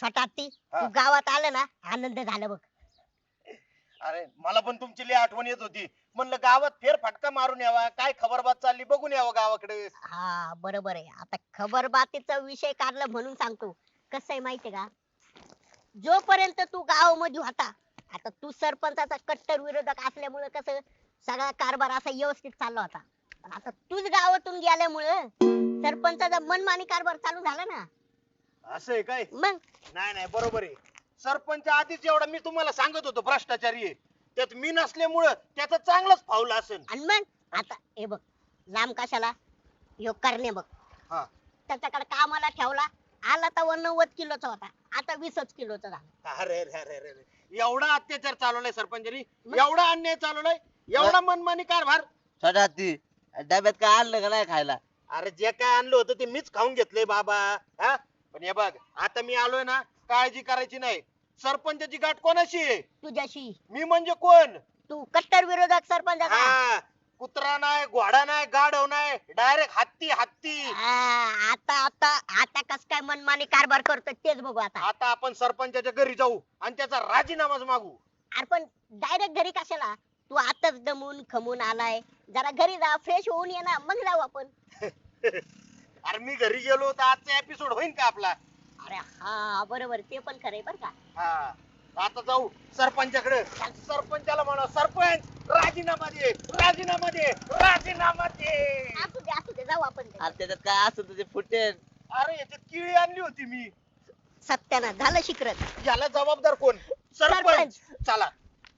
छोटा हत्ती हा. तू गावात आलं ना आनंद झाला बघ. अरे मला पण तुमची लई आठवण येत होती. म्हणलं गावात फेर फटका मारून यावा, काय खबरबात चालली बघून यावं गावाकडे. हा बरोबर आहे. आता खबरबातीचा विषय काढला म्हणून सांगतो. कसं आहे माहितीये का, जोपर्यंत तू गावामध्ये होता, आता तू सरपंचाचा कट्टर विरोधक असल्यामुळे कसं सगळा कारभार असा व्यवस्थित चालला होता. पण आता तूच गावातून गेल्यामुळे सरपंचाचा मनमानी कारभार चालू झाला ना. असं आहे काय? मग नाही नाही बरोबर आहे. सरपंच आधीच एवढा मी तुम्हाला सांगत होतो भ्रष्टाचारी आहे. त्यात मी नसल्यामुळं त्याचं चांगलंच फावलं असेल. आणि मग आता हे बघ, लांब कशाला ह्यो करणे बघ, हा. त्याच्याकडे कामाला ठेवला, आला तर 90 किलोचा होता, आता 20 किलोचा झाला. अरे रे रे रे रे. एवढा अत्याचार चालवलाय सरपंचानी, मग? एवढा अन्याय चालवलाय, एवढा मनमानी कारभार. छोटा हत्ती डब्यात काय आणलं का नाही खायला? अरे जे काय आणलं होतं ते मीच खाऊन घेतलंय बाबा. हा पण हे बघ, आता मी आलोय ना, काळजी करायची नाही. सरपंचाची गाठ कोणाशी आहे? तुझ्याशी. मी म्हणजे कोण? तू कट्टर विरोधक सरपंचाचा. हा, कुत्रा नाही, घोडा नाही, गाढव नाही, डायरेक्ट हत्ती हत्ती. आता आता आता कस काय मनमानी कारभार करतो तेच बघू आता. आता आपण सरपंचाच्या घरी जाऊ आणि त्याचा राजीनामाच मागू. अरे पण डायरेक्ट घरी कशाला, तू आताच दमून खमून आलाय, जरा घरी जा, फ्रेश होऊन ये ना, मग जाऊ आपण. अरे मी घरी गेलो तर आजचा एपिसोड होईल का आपला? अरे हा बरोबर, ते पण खरंय बर का. हा, आता जाऊ सरपंचाकडे. सरपंचाला म्हणा, सरपंच राजीनामा दे, राजीनामा दे, राजीनामा दे. असू दे जाऊ आपण. अरे त्याच्यात काय असं तुझे फुटेल. अरे याच्यात किळी आणली होती मी. सत्यानं झालं शिकरत. याला जबाबदार कोण? सरपंच. चला.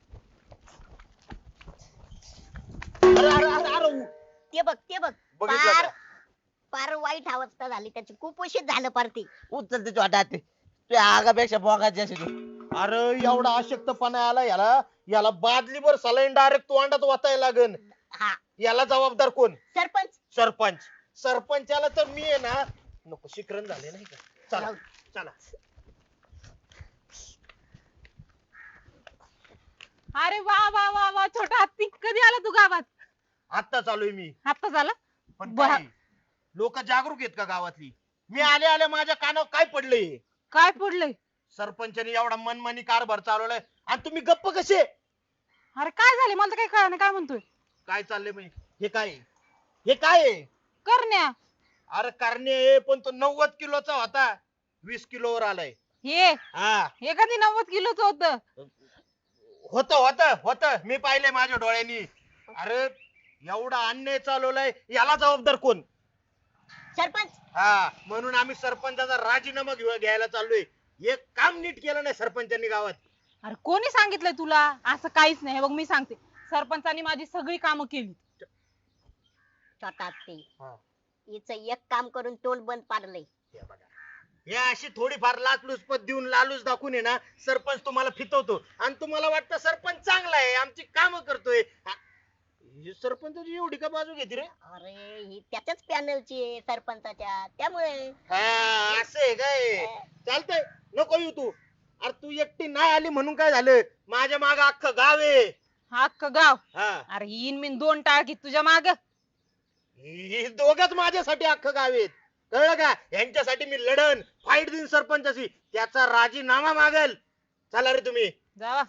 अरे अरे अरे अरे ते बघ ते बघ, बघितलं पार का? पार वाईट अवस्था झाली त्याची, खूप उशीर झालं पार ती. उचल ते छोटा हत्ती, तुझ्या आगापेक्षा बोगाची अशी तू. अरे एवढा अशक्तपणा आला याला. याला बादलीभर सलाईन डायरेक्ट तोंडात वाचायला लागन. हा याला जबाबदार कोण? सरपंच. सरपंच. सरपंचाला तर मी आहे ना, नको शिकरण झाले नाही का. चला चला. अरे वा वा वा वा, छोटा हत्ती कधी आला तू गावात? आता चालूय मी. आता झालं. पण बा- लोक जागरूक आहेत का गावातली? मी आले आले माझ्या कानावर काय पडलंय? काय पडलंय? सरपंचाने एवढा मनमानी कारभार चालवलाय आणि तुम्ही गप्प कसे? अरे काय झाले, मला तर काही कळलं नाही, काय म्हणतोय? काय चाललंय म्हणजे? हे काय आहे? हे काय आहे? करण्या. अरे करणे, पण तो 90 किलोचा होता, 20 किलोवर आलाय. हे हा, हे कधी 90 किलोच होत? होत होत होत, मी पाहिलंय माझ्या डोळ्यांनी. अरे एवढा अन्याय चालवलाय, याला जबाबदार कोण? सरपंच. हा, म्हणून आम्ही सरपंचाचा राजीनामा घ्यायला चाललोय. एक काम नीट केलं नाही सरपंचांनी गावात. अरे कोणी सांगितलंय तुला? असं काहीच नाही. हे बघ मी सांगते, सरपंचानी माझी सगळी कामं केली. छोटा ते हा. हिचं एक काम करून तोंड बंद पाडलंय. हे बघा, हे अशी थोडीफार लाचलुचपत देऊन लालूच दाखवून आहे ना, सरपंच तुम्हाला फितवतो आणि तुम्हाला वाटतं सरपंच चांगला आहे, आमची कामं करतोय. ही सरपंचाची एवढी का बाजू घेते रे? अरे ही त्याच्याच पॅनलची आहे सरपंचाच्या, त्यामुळे. हा, असं आहे काय? चालतंय, नको येऊ तू. अरे तू एकटी नाही आली म्हणून काय झालं? माझ्या माग अख्खं गाव आहे. हा अख्खं गाव. हा, अरे येईन मी 2 टाळकी तुझ्या माग. ही दोघच माझ्यासाठी अख्खं गाव आहेत, कळलं का? यांच्यासाठी मी लढन, फाईट देईन सरपंचाशी, त्याचा राजीनामा मागल. चला रे तुम्ही. जावा.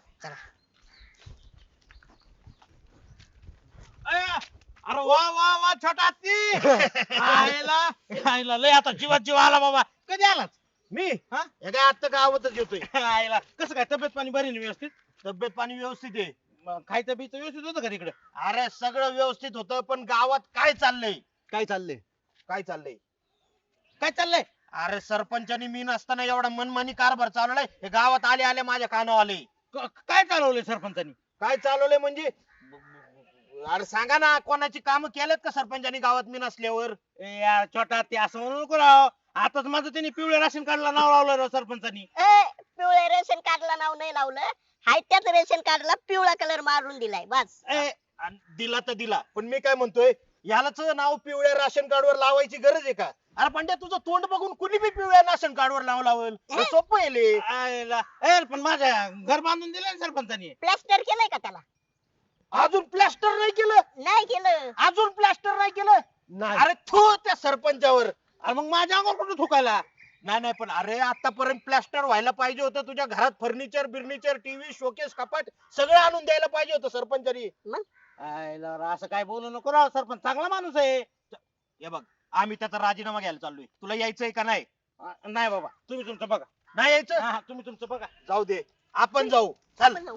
अरे वा वा वा छोटा हत्ती. आयला आयला लय आता जीवात जीव आला बाबा. कधी आलाच? मी हा? हे काय आता गावातच येतोय. आयला कसं काय, तब्येत पाणी बरी ना व्यवस्थित? तब्येत पाणी व्यवस्थित आहे. मग खायचं बियचं व्यवस्थित होतं का तिकडे? अरे सगळं व्यवस्थित होतं, पण गावात काय चाललंय? काय चाललंय? काय चाललंय? काय चाललंय? अरे सरपंचानी मी नसताना एवढा मनमानी कारभार चालवलाय, हे गावात आले आले माझ्या कानावर आले. काय चालवलंय सरपंचानी? काय चालवलंय म्हणजे? अरे सांगा ना, कोणाची कामं केलेत का सरपंचानी गावात मी नसल्यावर? ए यार छोटा हत्ती, असं म्हणू नको राव. आताच माझं त्यांनी पिवळ्या राशन कार्डला नाव लावलं राव सरपंचानी. पिवळे रेशन कार्डला नाव नाही लावलं, हाय त्याच रेशन कार्डला पिवळा कलर मारून दिलाय बस. आणि दिला तर दिला, पण मी काय म्हणतोय, यालाच नाव पिवळ्या राशन कार्डवर लावायची गरज आहे का? अरे पंड्या, तुझं तोंड बघून कुणी बी पिवळ्या राशन कार्डवर नाव लावल, हे सोपं आहे ले. आयला ए पण माझ्या घर बांधून दिलं ना सरपंचानी. प्लास्टर केलंय का त्याला? अजून प्लास्टर नाही केलं? नाही केलं. अजून प्लास्टर नाही केलं? नाही. अरे थू त्या सरपंचावर. अरे मग माझ्या अंगावर कुठं थुकायला? नाही नाही, पण अरे आतापर्यंत प्लास्टर व्हायला पाहिजे होतं, तुझ्या घरात फर्निचर बिर्निचर टीव्ही शोकेस कपाट सगळं आणून द्यायला पाहिजे होतं सरपंचानी. आयला राव, असं काय बोलू नको राव, सरपंच चांगला माणूस आहे. हे बघ, आम्ही त्याचा राजीनामा घ्यायला चाललोय, तुला यायचंय का नाही? नाही बाबा, तुम्ही तुमचं बघा. नाही यायचं? हा, तुम्ही तुमचं बघा. जाऊ दे, आपण जाऊ. चल. आपण जाऊ.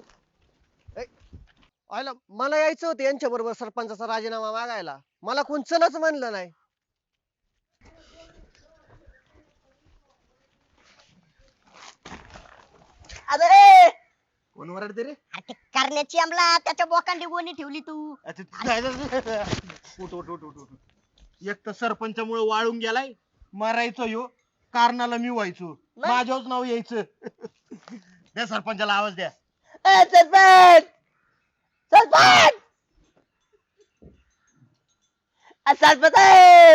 आयला मला यायचं होतं यांच्या बरोबर सरपंचाचा राजीनामा मागायला, मला कोण चलच म्हणलं नाही. अबे कोण वरडते रे? आता करण्याची आमला त्याच्या बोकांडी गोणी ठेवली तू. उठ उठ उठ उठ उठ. एक तर सरपंचामुळे वाळून गेलाय, मारायचो ह्यो, कारणाला मी व्हायचो, मग? माझ्याच नाव यायचं. द्या सरपंचाला आवाज द्या. सरपंच सरपंच सरपंच आहे.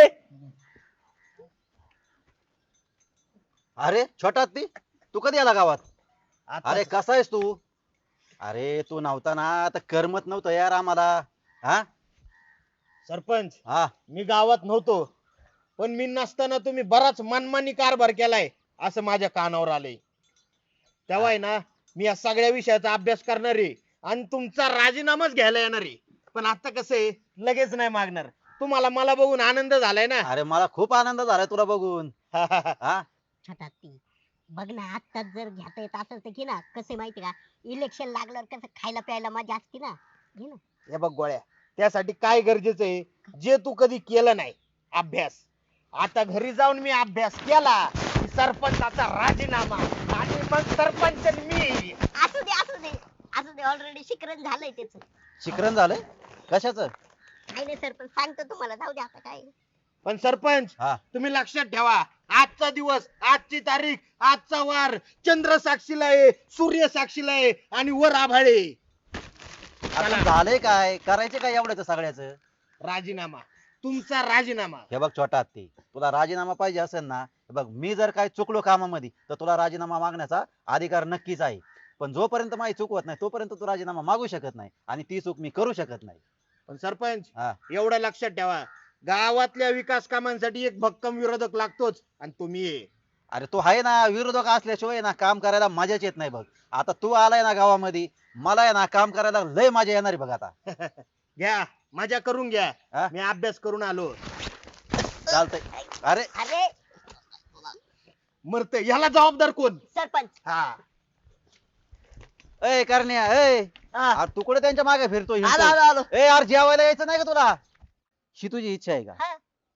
अरे छोटा ती तू कधी आला गावात? आता अरे कसा आहेस तू? अरे तू नव्हता ना तर करमत नव्हतं यार आम्हाला. हा सरपंच, हा मी गावात नव्हतो, पण मी नसताना तुम्ही बराच मनमानी कारभार केलाय असं माझ्या कानावर आलंय. तेव्हा आहे ना, मी या सगळ्या विषयाचा अभ्यास करणार आहे आणि तुमचा राजीनामाच घ्यायला येणार आहे. पण आता कसं आहे, लगेच नाही मागणार. तुम्हाला मला बघून आनंद झालाय ना. अरे मला खूप आनंद झालाय तुला बघून. हा छोटा ती बघ ना, आत्ताच जर घेता येत असेल तर घे ना. कसं माहिती का, इलेक्शन लागल्यावर कसं खायला प्यायला मजा असते ना, घे ना. हे बघ गोळ्या, त्यासाठी काय गरजेचं आहे, जे तू कधी केलं नाही, अभ्यास. आता घरी जाऊन मी अभ्यास केला की सरपंचाचा राजीनामा आणि मग सरपंच मी. असू दे असू दे असू दे, ऑलरेडी शिकरण झालंय त्याच. शिकरण झालंय कशाचं? काही नाही सरपंच, सांगतो तुम्हाला, जाऊ दे आता काय. पण सरपंच, हा तुम्ही लक्षात ठेवा, आजचा दिवस, आजची तारीख, आजचा वार चंद्र साक्षीला आहे, सूर्य साक्षीला आहे आणि वर आभाळे. आता झालंय काय, करायचे काय एवढ्याच सगळ्याच? राजीनामा, तुमचा राजीनामा. हे बघ छोटा हत्ती, तुला राजीनामा पाहिजे असेल ना, हे बघ मी जर काय चुकलो कामामध्ये तर तुला राजीनामा मागण्याचा अधिकार नक्कीच आहे. पण जोपर्यंत माझी चुकवत नाही तोपर्यंत तू राजीनामा मागू शकत नाही आणि ती चूक मी करू शकत नाही. पण सरपंच, हा एवढं लक्षात ठेवा, गावातल्या विकास कामांसाठी एक भक्कम विरोधक लागतोच आणि तुम्ही आहे. अरे तू आहे ना, विरोधक असल्याशिवाय ना काम करायला मजाच येत नाही बघ. आता तू आलाय ना गावामध्ये, मला आहे ना काम करायला लय मजा येणार आहे बघ आता. घ्या, मजा करून घ्या. हा? मी अभ्यास करून आलो. चालतंय. अरे अरे मरत याला जबाबदार कोण? सरपंच, हा, ए करण्या ए हा. अरे तू कुठे त्यांच्या मागे फिरतो आलो हिंडतोय? आलो आलो. ए यार जेवायला यायचं नाही का तुला? ही तुझी इच्छा आहे का? हा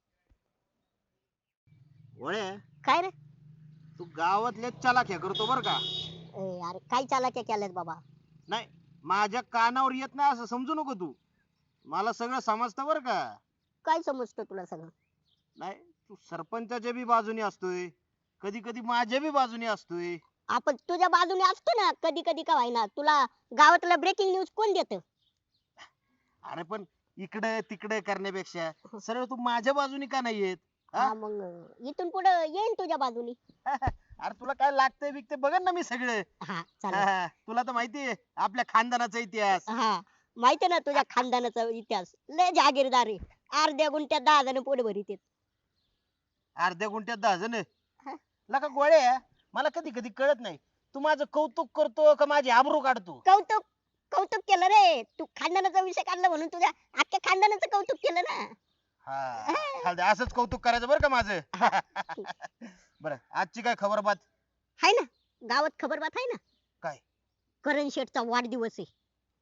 गोळ्या, काय रे? तू गावातल्या चलाख्या करतो बर का. अरे काय चालाक्या केल्यात बाबा. नाही, माझ्या कानावर येत नाही असं समजू नको तू. मला सगळं समजतं बर का. काय समजतं तुला सगळं? नाही, तू सरपंचाच्या बी बाजूने असतोय, कधी कधी माझ्या बी बाजूने असतोय. आपण तुझ्या बाजूने असतो ना कधी कधी, का व्हायना. तुला गावातलं ब्रेकिंग न्यूज कोण देत? अरे पण इकडे तिकडे करण्यापेक्षा सरळ तू माझ्या बाजूने का नाही येत? हा? हा मग इथून पुढे येईन तुझ्या बाजूनी. अरे तुला काय लागतंय बिकते बघन ना मी सगळं. हा चालेल. हा, तुला तर माहितीये आपल्या खानदानाचा इतिहास. हा माहिती ना तुझ्या खानदानाचा इतिहास. लय जागीरदार आहे. अर्ध्या गुंठ्यात 10 जण पोट भरीत आहेत. अर्ध्या गुंठ्यात 10 जण. हा. लका गोळ्या, मला कधी कधी कळत नाही, तू माझं कौतुक करतो का माझी आबरू काढतो? कौतुक कौतुक केलं रे. तू खानदानाचा विषय काढला म्हणून तुझ्या अख्ख्या खानदानाचं कौतुक केलं ना. हा, चालतंय, असंच कौतुक करायचं बरं का माझं. बरं, आजची काय खबर बात? हाय ना, गावात खबर बात आहे ना. काय? करण शेठचा वाढदिवस आहे.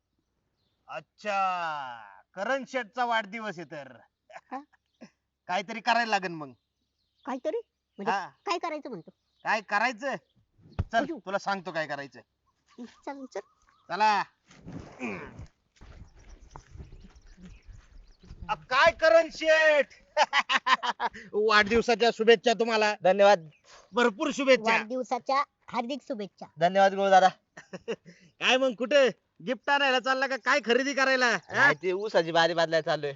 अच्छा, करण शेठचा वाढदिवस आहे तर हा. काहीतरी करायला लागेल मग. काहीतरी म्हणजे हा, काय करायचं म्हणतो? काय करायचं? चल अयो. तुला सांगतो काय करायचं. चल चल. चला. काय करण शेठ, वाढदिवसाच्या शुभेच्छा तुम्हाला. धन्यवाद भरपूर शुभेच्छा. वाढदिवसाच्या हार्दिक शुभेच्छा. धन्यवाद गुरु दादा. काय मग कुठे गिफ्ट आणायला चालला का काय खरेदी करायला? हा? नाही, ते ऊसाची बारी बदलायला चाललोय.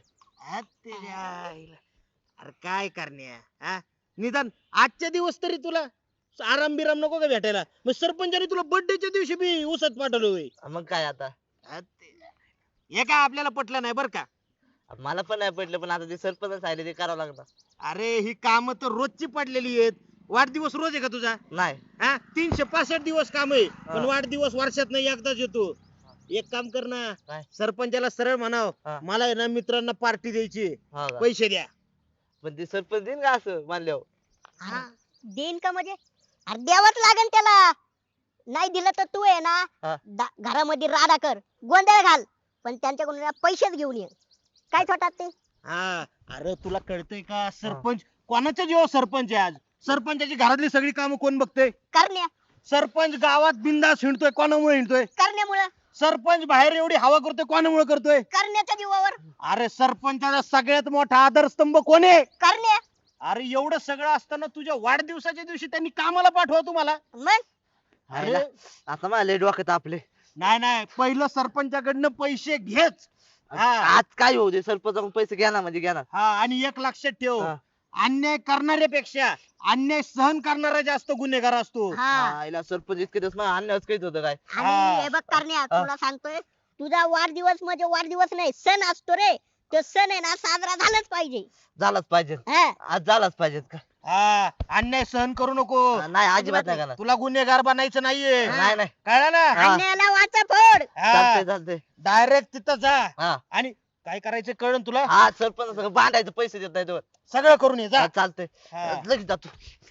अरे काय करण्या, हा? निदान आजच्या दिवस तरी तुला आराम बिराम नको का भेटायला? मग सरपंचाने तुला बर्थडेच्या दिवशी बी उसत पाठवलोय. मग काय आता, हे काय आपल्याला पटलं नाही बर का. मला पण नाही पडलं, पण आता ते सरपंच सांगितले ते करावं लागणार. अरे ही काम तर रोजची पडलेली आहेत. वाढदिवस रोज आहे का तुझा? नाही हा 365 दिवस काम आहे पण हा. वाढदिवस वर्षात नाही एकदाच येतो. एक काम कर ना, काय? सरपंचाला सरळ म्हणाव हा. मला आहे ना मित्रांना पार्टी द्यायची, हा का? पैसे द्या. पण ते सरपंच देईन का असं मानल्यावर? हा देईन का म्हणजे अरे द्यावंच लागेल त्याला. नाही दिलं तर तू आहे ना हा. घरामध्ये राडा कर, गोंधळ घाल, पण त्यांच्याकडून ना पैसेच घेऊन ये. काय छोटा ते हा अरे तुला कळतंय का सरपंच कोणाच्या जीवावर सरपंच आहे आज? सरपंचाची घरातली सगळी कामं कोण बघतोय? करण्या सरपंच गावात बिंदास हिंडतोय कोणामुळे हिंडतोय? करण्यामुळं सरपंच बाहेर एवढी हवा करतोय कोणामुळे करतोय? करण्याच्या जीवावर अरे सरपंचाचा सगळ्यात मोठा आधारस्तंभ कोण आहे? करण्या. अरे एवढं सगळं असताना तुझ्या वाढदिवसाच्या दिवशी त्यांनी कामाला पाठवा तुम्हाला. मग हायला, आता मला लय डोक्यात आपले नाही पहिलं सरपंचाकडनं पैसे घेच. हा आज काय होऊ दे, सरपंच पैसे घ्या ना म्हणजे घ्या ना. हा आणि एक लक्षात ठेव, हा. अन्याय करणाऱ्यापेक्षा अन्याय सहन करणारा जास्त गुन्हेगार असतो. हा आईला सरपंच इतके दिवस मला आणल्यावर काहीच होतं काय. आणि हा. हे बघ करण्या तुला सांगतोय तुझा वाढदिवस म्हणजे वाढदिवस नाही सण असतो रे. तो सण आहे ना साजरा झालाच पाहिजे. झालाच पाहिजे, हा आज झालाच पाहिजे का? हा अन्याय सहन करू नको. नाही अजिबात नाही करणार. तुला गुन्हेगार बनायचं नाहीये. नाही नाही कळलं ना? हा. अन्यायाला वाचा फोड. चालतंय चालतंय. डायरेक्ट तिथं जा हा आणि काय करायचं कळण तुला. हा सरपंच सगळं भांडायचं, पैसे देत नाही तो. सगळं करून ये जा. हा, चालतंय हा. लगेच जातो.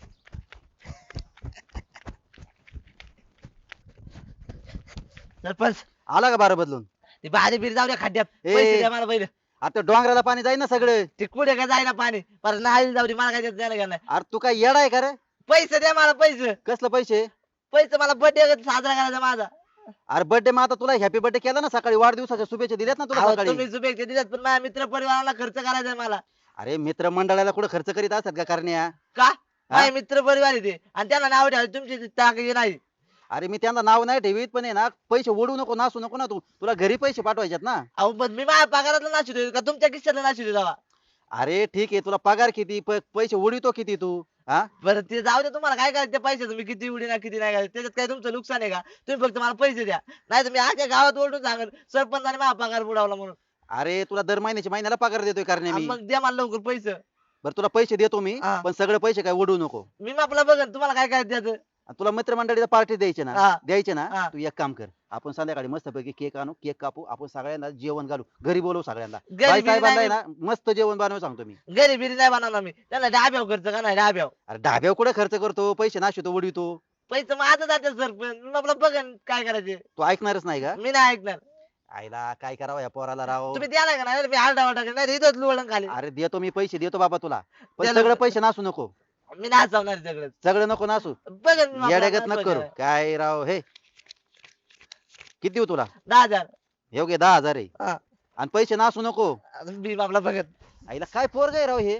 सरपंच आला का बारा बदलून? ते भारी बिरी जाऊ द्या खड्ड्यात, ए. पैसे द्या मला पहिले. आता डोंगराला पाणी जाईल ना सगळं. ते कुठे काय जायला पाणी, पर नाही जाऊ दे, मला काय देत द्यायला नाही. अरे तू काय येडा आहे का रे? पैसे द्या मला, पैसे कसलं पैसे? पैसे मला बर्थडे साजरा करायचा माझा. अरे बर्थडे मग आता तुला हॅपी बर्थडे केला ना सकाळी, वाढदिवसाच्या शुभेच्छा दिल्यात ना तुला अहो, सकाळी. तुम्ही शुभेच्छा दिल्यात पण माझ्या मित्र परिवाराला खर्च करायचा आहे मला. अरे मित्र मंडळाला कुठं खर्च करीत असतात का करण्या? का माझे मित्र परिवार आहे ते, आणि त्यांना नाव ठेवायचं, तुमची ताकद नाही. अरे मी त्यांना नाव नाही ठेवीत, पण आहे ना पैसे ओढू नको, नासू नको ना तू. तुला घरी पैसे पाठवायच्यात ना. अहो पण मी माझ्या पगारातला नाशितो का तुमच्या खिशातला नाशितो जावा? अरे ठीक आहे, तुला पगार किती, पैसे उडीतो किती तू? हा बरं ते जाऊ दे, तुम्हाला काय करायचं पैसे, मी किती उडी ना किती नाही करायचं त्याच्यात काय तुमचं नुकसान आहे का? तुम्ही फक्त मला पैसे द्या, नाही तर मी आजच्या गावात ओरडून सांगेल सरपंचाने माझा पगार बुडवला म्हणून. अरे तुला दर महिन्याला पगार देतोय करण्या मी. मग द्या मला लवकर पैसे. बरं तुला पैसे देतो मी, हा. पण सगळे पैसे काय उडवू नको. मी आपला बघन तुम्हाला काय करायचं त्याचं. आणि तुला मित्रमंडळीला पार्टी द्यायची ना, हा. द्यायची ना, हा. तू एक काम कर, आपण संध्याकाळी मस्तपैकी केक आणू, केक कापू, आपण सगळ्यांना जेवण घालू, घरी बोलवू सगळ्यांना. घरी बाई बिरी साहेबांना आहे नाही, ना मस्त जेवण बनवू सांगतो मी. घरी बिरी नाही बनवणार मी, त्यांना डाब्याव खर्च का नाही डाब्याव. अरे ढाब्यावर कुठे खर्च करतो, पैसे नाशितो उडवितो. पैसे माझं जाते सरपंच, मी आपलं बघन काय करायचे. तू ऐकणारच नाही का? मी नाही ऐकणार. आईला काय करावं या पोराला राव. तुम्ही द्याला का नाही, मी आरडा वाटा नाही इथंच लुवडून खाली. अरे देतो मी पैसे, देतो बाबा तुला, पण द्याला- सगळं पैसे नासू नको. मी नाचवणार सगळं, सगळं नको नासू, बघन मी आपलं येड्यागत नको करू. बघन. काय राव हे, किती देऊ तुला? 10,000. हे घे 10,000 आहे. हा. आणि पैसे नासू नको. मी आपला बघत. आईला काय पोरग आहे राव हे.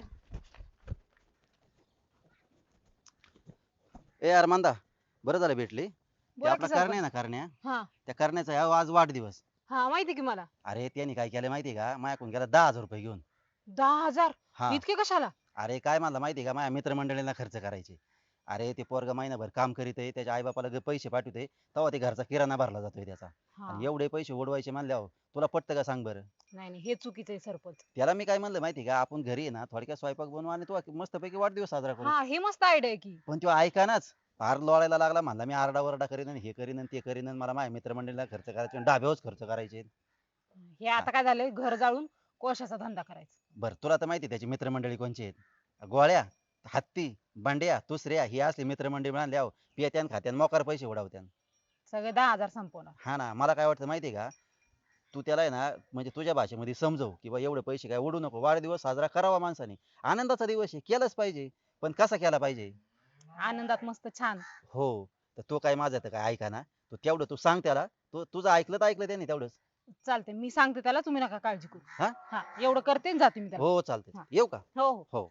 ए यार मांदा, बरं झालं भेटली. ते बोला आपला की करण्या सरपंच. आहे ना, करण्या, हा त्या करण्याचा आहे आज वाढदिवस. हा माहिती की मला. अरे त्यांनी काय केलं माहितीये का, माझ्याकडून गेला 10,000 रुपये घेऊन. 10,000 हा इतके कशाला? अरे काय म्हणला माहितीये का, माझ्या मित्रमंडळींना खर्च करायचे. अरे ते पोरग महिनाभर काम करीत आहे, त्याच्या आई बापाला पैसे पाठवते, तेव्हा ते घरचा किराणा भरला जातोय त्याचा. हा. आणि एवढे पैसे उडवायचे म्हणल्यावर तुला पटतं का सांग बरं? नाही नाही हे चुकीचं आहे सरपंच. त्याला मी काय म्हणलं माहिती का, आपण घरी आहे ना थोडक्यात स्वयंपाक बनवू आणि तू मस्तपैकी वाढदिवस साजरा करू. हा हे मस्त आयडिया आहे की. पण तो ऐकानाच, फार लोळायला लागला, म्हणला मी आरडाओरडा करीन आणि हे करीन आणि ते करीन आणि मला माझ्या मित्रमंडळीला खर्च करायचे आणि डाब्यावरच खर्च करायचे. हे आता काय झालंय, घर जाळून कोळशाचा धंदा करायचा. बरं तुला तर माहिती आहे त्याची मित्रमंडळी कोणची आहेत? गोळ्या, हत्ती, बंड्या, दुसऱ्या ही असली मित्रमंडळी म्हणल्यावर पित्यान खात्यान मोकार पैसे उडवत्यान. सगळे 10,000 संपवणार. हा ना, मला काय वाटतं माहितीये का, तू त्याला आहे ना म्हणजे तुझ्या भाषेमध्ये समजव की बा एवढे पैसे काय उडू नको, वाढदिवस साजरा करावा माणसाने, आनंदाचा दिवस आहे, केलाच पाहिजे, पण कसा केला पाहिजे? आनंदात मस्त छान. हो, तर तो काय माझं तर काय ऐका ना, तू तेवढं तू सांग त्याला, तो तुझं ऐकलं तर ऐकलं त्याने तेवढंच. चालते, मी सांगते त्याला, तुम्ही नका काळजी करू. हा? हा एवढं करते आणि जाते मी त्याला. हो चालतंय, हा. येऊ का? हो हो. हो.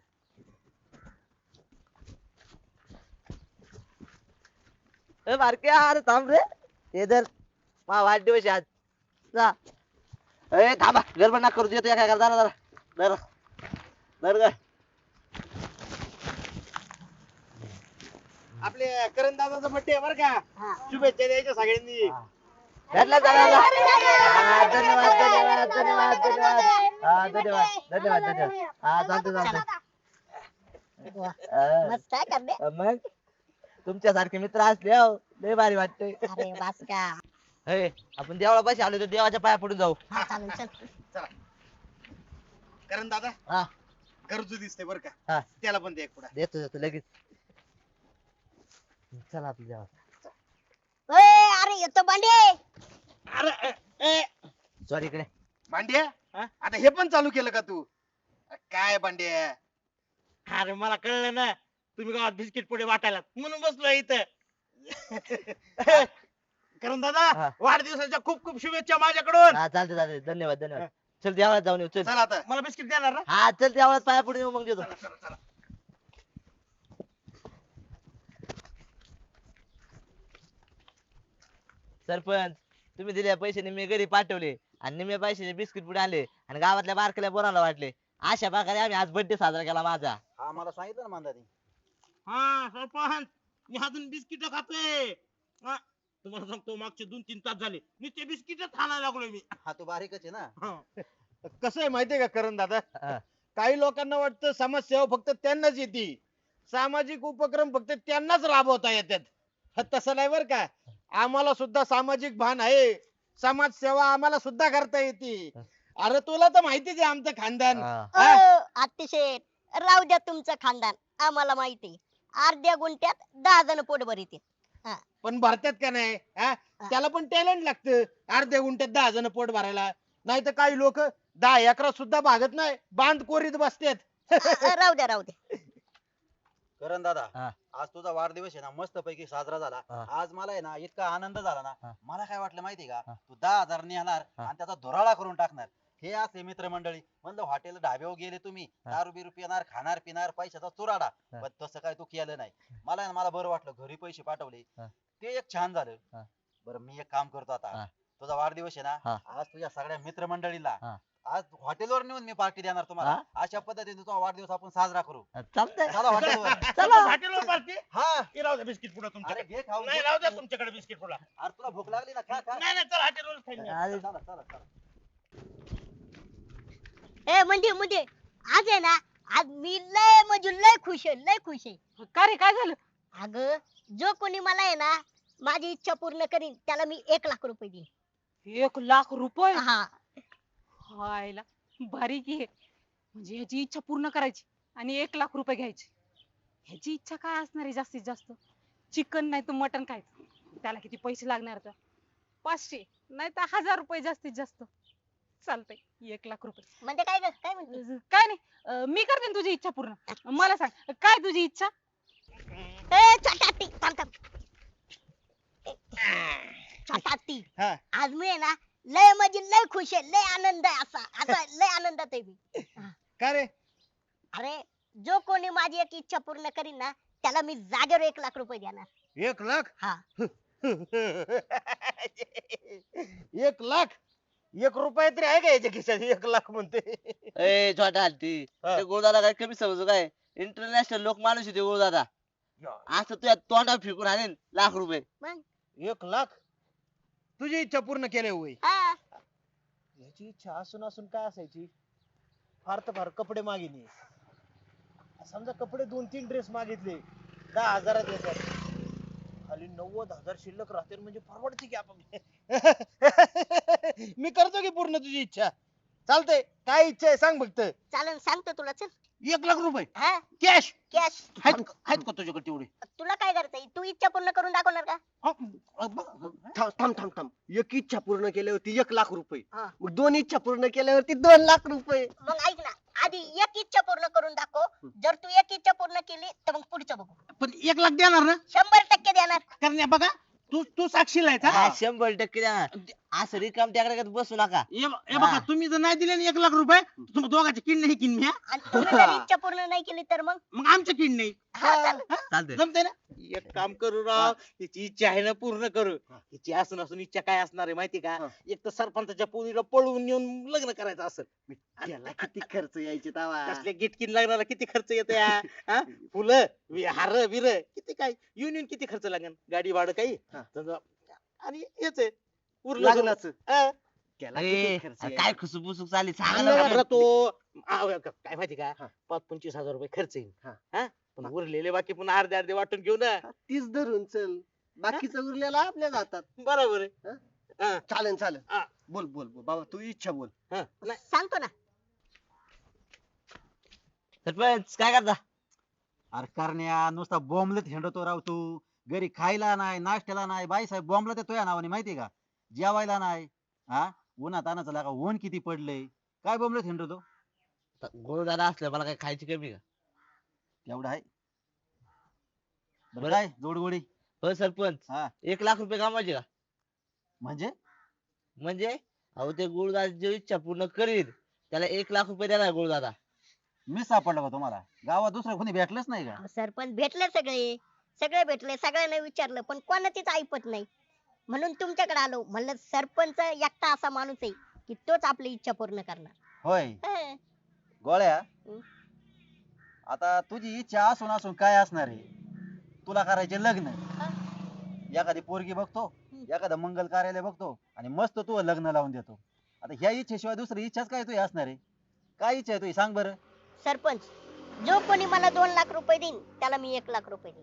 ए बारक्या, अरे थांब रे, हे धर मा वाढदिवस आहे आज, जा. ए थांबा, गडबड नका करू, येतो एका जरा जरा जरा धर ग. आपले करण दादाचा बर्थडे बरं का, हा. शुभेच्छा द्यायच्या सगळ्यांनी. भेटला जरा जरा. हा, धन्यवाद धन्यवाद धन्यवाद धन्यवाद. हा धन्यवाद धन्यवाद धन्यवाद. हा चालतंय चालतंय. वा, हा. मस्त आहे करण्या. मग तुमच्यासारखे मित्र असले हो, लय भारी वाटतंय. अरे बस का. हे, आपण देवळापाशी आलो तर देवाच्या पाया पडून जाऊ. हा चालेल चल. चला करण दादा हा गरजू दिसते बरं हा. का त्याला पण दे एक पुढा. देतो लगेच. चला आपल्या देवा. अरे येतो बांडे. अरे ए, सॉरी इकडे. भांड्या आता हे पण चालू केलं का तू काय भांड्या. अरे मला कळलं ना तुम्ही गावात बिस्किट पुढे वाटायला म्हणून बसलो इथं. करण दादा हा. वाढदिवसाच्या खूप खूप शुभेच्छा माझ्याकडून. हा चालते चालते, धन्यवाद धन्यवाद. चल देवळात जाऊन येऊ चल. चल आता मला बिस्किट देणार ना. हा चल देवळात पाया पडून येऊ मग देतो. सरपंच तुम्ही दिलेल्या पैशाने मी घरी पाठवले आणि निम्या पैशाने बिस्किट पुढे आणले आणि गावातल्या बारकल्या बोराला वाटले. अशा प्रकारे आम्ही आज बर्थडे साजरा केला माझा. हा मला सांगितलं ना मांदानी. हा सरपंच मी अजून बिस्किट खातोय. हा, तुम्हाला सांगतो मागचे 2-3 तास झाले मी ते बिस्किटच खायला लागलोय मी. हा तू बारीकच आहे ना. हा. कसं आहे माहितीये का करण दादा हा. काही लोकांना वाटतं समाजसेवा फक्त त्यांनाच येते सामाजिक उपक्रम फक्त त्यांनाच राबवता येतात तसं नाही बर का आम्हाला सुद्धा सामाजिक भान आहे समाजसेवा आम्हाला सुद्धा करता येते अरे तुला तर माहितीच आहे आमचं खानदान हा. अतिशय राहू द्या तुमचं खानदान आम्हाला माहिती. अर्ध्या गुंठ्यात 10 जण पोट भरीत. पण भरतात का नाही हा? त्याला पण टॅलेंट लागतं अर्ध्या गुंठ्यात 10 जण पोट भरायला नाही तर काही लोक 10 एकरात सुद्धा भागत नाही बांध कोरीत बसतात राहू द्या राहू द्या. करण दादा हा. आज तुझा वाढदिवस आहे ना मस्त पैकी साजरा झाला. हा. आज मला आहे ना इतका आनंद झाला हा. ना. मला काय वाटलं माहितीये का हा. तू 10,000 नेणार हा. आणि त्याचा धुराळा करून टाकणार. हे असले मित्रमंडळी म्हणलं हॉटेल ढाब्यावर गेले तुम्ही हा. दारू बिरू पिणार खाणार पिणार पैशाचा चुराडा. हा. पण तसं काय तू केलं नाही. मला आहे ना मला बरं वाटलं घरी पैसे पाठवले हा. ते एक छान झालं. हा. बरं मी एक काम करतो हा. आता तुझा वाढदिवस आहे हा. ना आज तुझ्या सगळ्या मित्रमंडळीला हा. आज हॉटेलवर नेऊन मी पार्टी देणार तुम्हाला. हा? अशा पद्धतीने तुझा वाढदिवस आपण साजरा करू. चालतंय. चला हॉटेलवर. चला. हॉटेलवर पार्टी. हा हे राहू द्या बिस्किट पुढे अरे तुमच्याकडे. घे खाऊ नाही राहू द्या तुमच्याकडे बिस्किट पुढा. अरे तुला भूक लागली ना खा खा. नाही नाही चल हॉटेलवर खाईन मी. अरे, चला चला चला. म्हणजे आज आहे ना आज मी लय म्हणजे लय खुश आहे लय खुश आहे. का रे काय झालं? अगं जो कोणी मला आहे ना माझी इच्छा पूर्ण करीन त्याला मी 1,00,000 रुपये देईन. 1,00,000 रुपये? हा हायला भारी की हे. म्हणजे ह्याची इच्छा पूर्ण करायची आणि 1,00,000 रुपये घ्यायचे. ह्याची इच्छा काय असणार आहे जास्तीत जास्त? चिकन नाही तर मटन खायचं. त्याला किती पैसे लागणार तर? 500 नाही तर 1,000 रुपये जास्तीत जास्त. चालतंय 1,00,000 रुपये. म्हणजे काय ग काय म्हणते. काय नाही मी करते ना तुझी इच्छा पूर्ण. मला सांग काय तुझी इच्छा? छोटा हत्ती थांब थांब. छोटा हत्ती हा. आज मी आहे ना लय म्हणजे लय खुश आहे लय आनंद आहे असा असा लय आनंदात आहे मी. का रे अरे जो कोणी माझी एक इच्छा पूर्ण करीन ना त्याला मी जागेवर 1,00,000 रुपये देणार. 1,00,000 हा 1,00,000 1 रुपया तरी आहे का याच्या खिशात 1,00,000 म्हणते ए छोटा हत्ती हा. ते गुरुदादा काय कमी समजू काय? इंटरनॅशनल लोक माणूस आहे ते गुरुदादा. असं तुझ्या तोंडावर फेकून आणेल लाख रुपये. 1,00,000 तुझी इच्छा पूर्ण केली होय हा. याची इच्छा असून असून काय असायची फार तर फार कपडे मागितले समजा कपडे 2-3 ड्रेस मागितले 10,000 येतात खाली 90,000 शिल्लक राहते म्हणजे परवडते की आपण मी करतो की पूर्ण तुझी इच्छा चालतंय काय इच्छा आहे सांग फक्त चालेल सांगतो तुला चल. 1,00,000 रुपये हा कॅश कॅश. आहेत का तुझ्याकडे तेवढे तुला काय करायचंय तू इच्छा पूर्ण करून दाखवणार का. थांब एक इच्छा पूर्ण केल्यावरती 1,00,000 रुपये हा. मग 2 इच्छा पूर्ण केल्यावरती 2,00,000 रुपये. मग ऐक ना आधी एक इच्छा पूर्ण करून दाखव जर तू एक इच्छा पूर्ण केली तर मग पुढचं बघू. पण 1,00,000 देणार ना 100% देणार. करण्या बघा तू साक्षीला आहे हा, का? 100% द्या. असं रिकाम त्याकडे बसू नका. हे बघा तुम्ही जर नाही दिले ना 1,00,000 रुपये तुम्ही दोघांचे किडनी ही किडनी आणि तुम्ही जर इच्छा पूर्ण नाही केली तर मग मग आमच्या किडनी हा, चालेल. चालतंय. जमते ना एक काम करू राव हिची इच्छा आहे ना पूर्ण करू. हिची असून असून इच्छा काय असणार आहे माहिती का? एक तर सरपंचाच्या पोरीला पळवून नेऊन लग्न करायचं असेल. त्याला किती खर्च यायचे तवा. कसले गिटकिन लग्नाला किती खर्च येतो या हा? फुलं हार बिर किती काय युनियन किती खर्च लागेल गाडी भाडं काही हा. समजा. आणि हेच आहे उरलं लग्नाचं. हा. त्याला अरे किती खर्च काय खुसुबुसुक चालली सांग सांगा ना. बरं. घाबरा तो काय माहिती का हा. 25,000 रुपये खर्च येईल हा. हा पण उरलेले बाकी पुन्हा अर्धे अर्धे वाटून घेऊ ना तीच धरून चल बाकीचं उरलेला आपल्या जातात बरोबर आहे चालेल चालेल हा. बोल बोल बोल बाबा तू इच्छा बोल हा. नाही, सांगतो ना. सरपंच काय करता अरे करण्या नुसता बॉम्बलेट हिंडतो राव तू. घरी खायला नाही नाश्त्याला नाही बाई साहेब बॉम्बला ते तुझ्या नावाने माहितीये का. जेवायला नाही. हा उन्हात तानाचं लागा ऊन किती पडलंय. काय बॉम्बलेट हिंडतो. गोळदादा असलं मला काय खायची कमी का एवढं आहे. बरं बरं. काय जोडगोडी. हो सरपंच हा 1,00,000 रुपये कमावायचे का म्हणजे म्हणजे अहो ते गुरुदादा जी इच्छा पूर्ण करील त्याला 1,00,000 रुपये देणार गुरुदादा. मी सापडलं का तुम्हाला. गावात दुसरं कोणी भेटलंच नाही का. अहो, सरपंच भेटले सगळे. सगळे भेटले सगळ्यांना विचारलं पण कोणाचीच ऐपत नाही. म्हणून तुमच्याकडे आलो. म्हणलं सरपंच एकटा असा माणूस आहे की तोच आपली इच्छा पूर्ण करणार. होय हं. गोळ्या. हं. आता तुझी इच्छा असून असून काय असणार आहे. तुला करायचे लग्न. एखादी पोरगी बघतो. एखादं मंगल कार्यालय बघतो आणि मस्त तू लग्न लावून देतो. आता ह्या इच्छेशिवाय दुसरी इच्छाच काय तुझी असणार आहे. काय इच्छा आहे तुझी सांग बरं. सरपंच जो कोणी मला 2 लाख रुपये देईन त्याला मी 1 लाख रुपये देईन.